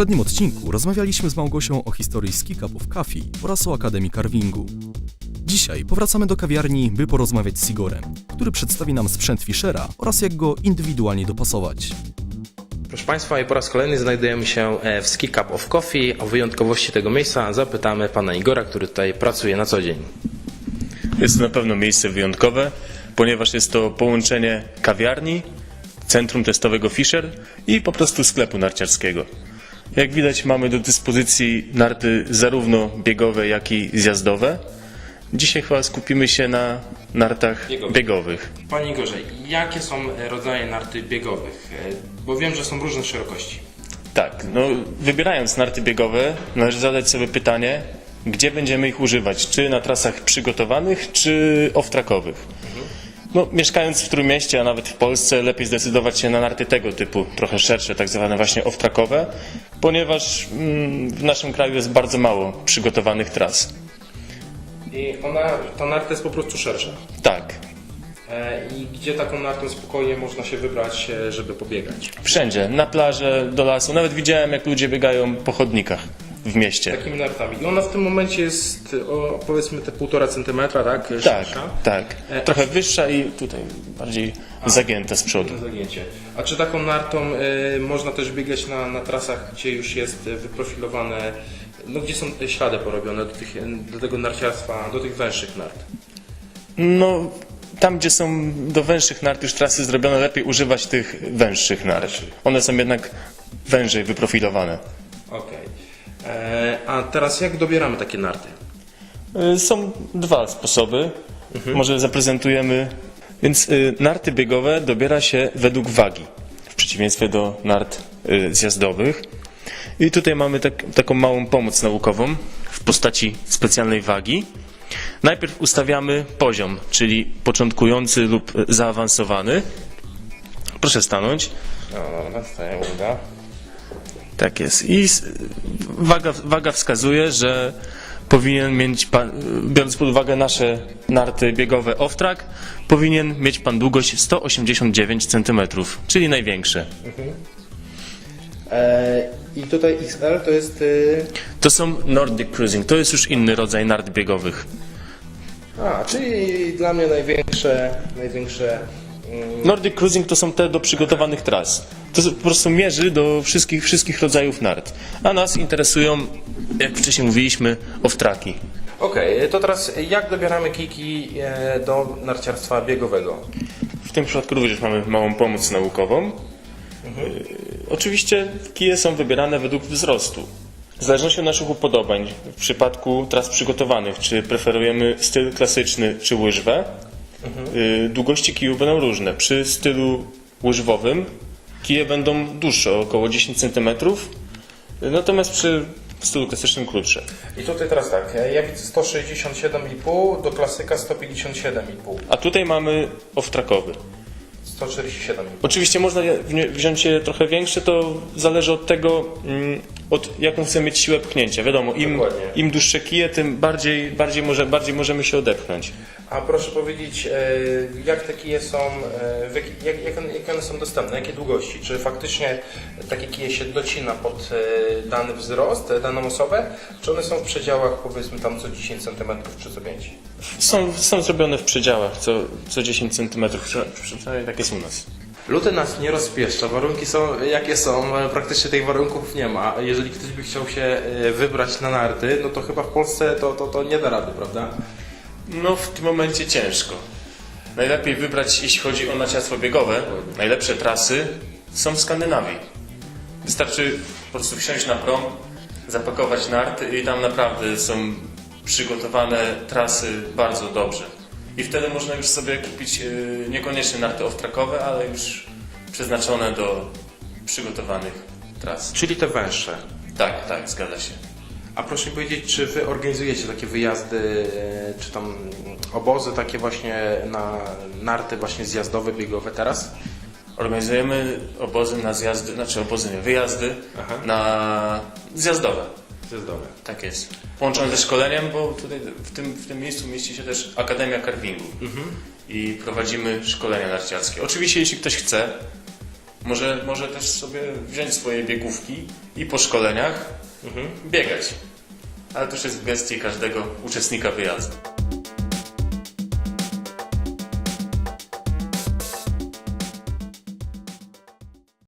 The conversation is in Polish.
poprzednim odcinku rozmawialiśmy z Małgosią o historii Ski Cup of Coffee oraz o Akademii Carvingu. Dzisiaj powracamy do kawiarni, by porozmawiać z Igorem, który przedstawi nam sprzęt Fischera oraz jak go indywidualnie dopasować. Proszę Państwa, i po raz kolejny znajdujemy się w Ski Cup of Coffee. O wyjątkowości tego miejsca zapytamy Pana Igora, który tutaj pracuje na co dzień. Jest to na pewno miejsce wyjątkowe, ponieważ jest to połączenie kawiarni, centrum testowego Fischer i po prostu sklepu narciarskiego. Jak widać, mamy do dyspozycji narty zarówno biegowe, jak i zjazdowe. Dzisiaj chyba skupimy się na nartach biegowych. Panie Igorze, jakie są rodzaje narty biegowych? Bo wiem, że są różne szerokości. Tak, wybierając narty biegowe, należy zadać sobie pytanie, gdzie będziemy ich używać, czy na trasach przygotowanych, czy off-trackowych. Mieszkając w Trójmieście, a nawet w Polsce, lepiej zdecydować się na narty tego typu, trochę szersze, tak zwane właśnie off-trackowe, ponieważ w naszym kraju jest bardzo mało przygotowanych tras. I ta narta jest po prostu szersza. Tak. I gdzie taką nartą spokojnie można się wybrać, żeby pobiegać? Wszędzie, na plażę, do lasu. Nawet widziałem, jak ludzie biegają po chodnikach w mieście. Takimi nartami. I ona w tym momencie jest powiedzmy te 1,5 cm, tak? Tak. Trochę wyższa i tutaj bardziej zagięta z przodu. Zagięcie. A czy taką nartą można też biegać na trasach, gdzie już jest wyprofilowane, gdzie są ślady porobione do tego narciarstwa, do tych węższych nart? Tam, gdzie są do węższych nart już trasy zrobione, lepiej używać tych węższych nart. One są jednak wężej wyprofilowane. Okej. A teraz jak dobieramy takie narty? Są dwa sposoby. Może zaprezentujemy. Więc narty biegowe dobiera się według wagi, w przeciwieństwie do nart zjazdowych. I tutaj mamy taką małą pomoc naukową w postaci specjalnej wagi. Najpierw ustawiamy poziom, czyli początkujący lub zaawansowany. Proszę stanąć. Dobra, staję, uda. Tak jest. I waga wskazuje, że powinien mieć pan, biorąc pod uwagę nasze narty biegowe off-track, powinien mieć pan długość 189 cm, czyli największe. I tutaj XL to jest... To są Nordic Cruising, to jest już inny rodzaj nart biegowych. Czyli dla mnie największe... Nordic Cruising to są te do przygotowanych tras. To po prostu mierzy do wszystkich rodzajów nart. A nas interesują, jak wcześniej mówiliśmy, off-tracki. Okej, to teraz jak dobieramy kijki do narciarstwa biegowego? W tym przypadku również mamy małą pomoc naukową. Oczywiście kije są wybierane według wzrostu. W zależności od naszych upodobań, w przypadku tras przygotowanych, czy preferujemy styl klasyczny, czy łyżwę, długości kijów będą różne. Przy stylu łyżwowym kije będą dłuższe, około 10 cm, natomiast przy stylu klasycznym krótsze. I tutaj teraz tak, ja widzę 167,5 do klasyka 157,5. A tutaj mamy off-trackowy. 147,5. Oczywiście można wziąć je trochę większe, to zależy od tego, od jaką chcemy mieć siłę pchnięcia. Wiadomo, im dłuższe kije, tym bardziej możemy się odepchnąć. A proszę powiedzieć, jak te kije są, jak one są dostępne, jakie długości? Czy faktycznie takie kije się docina pod dany wzrost, daną osobę? Czy one są w przedziałach powiedzmy tam co 10 cm czy co 5? Są zrobione w przedziałach, co 10 cm, przynajmniej tak jest u nas. Luty nas nie rozpieszcza, warunki są jakie są, praktycznie tych warunków nie ma. Jeżeli ktoś by chciał się wybrać na narty, no to chyba w Polsce to nie da rady, prawda? W tym momencie ciężko. Najlepiej wybrać, jeśli chodzi o narciarstwo biegowe, najlepsze trasy są w Skandynawii. Wystarczy po prostu wsiąść na prom, zapakować narty i tam naprawdę są przygotowane trasy bardzo dobrze. I wtedy można już sobie kupić niekoniecznie narty off-trackowe, ale już przeznaczone do przygotowanych tras. Czyli te węższe. Tak, zgadza się. A proszę mi powiedzieć, czy Wy organizujecie takie wyjazdy, czy tam obozy takie właśnie na narty właśnie zjazdowe, biegowe teraz? Organizujemy obozy na zjazdy, wyjazdy na zjazdowe. Zjazdowe. Tak jest. Połączone ze szkoleniem, bo tutaj w tym miejscu mieści się też Akademia Carvingu. I prowadzimy szkolenia narciarskie. Oczywiście jeśli ktoś chce, Może też sobie wziąć swoje biegówki i po szkoleniach biegać. Ale to już jest w gestii każdego uczestnika wyjazdu.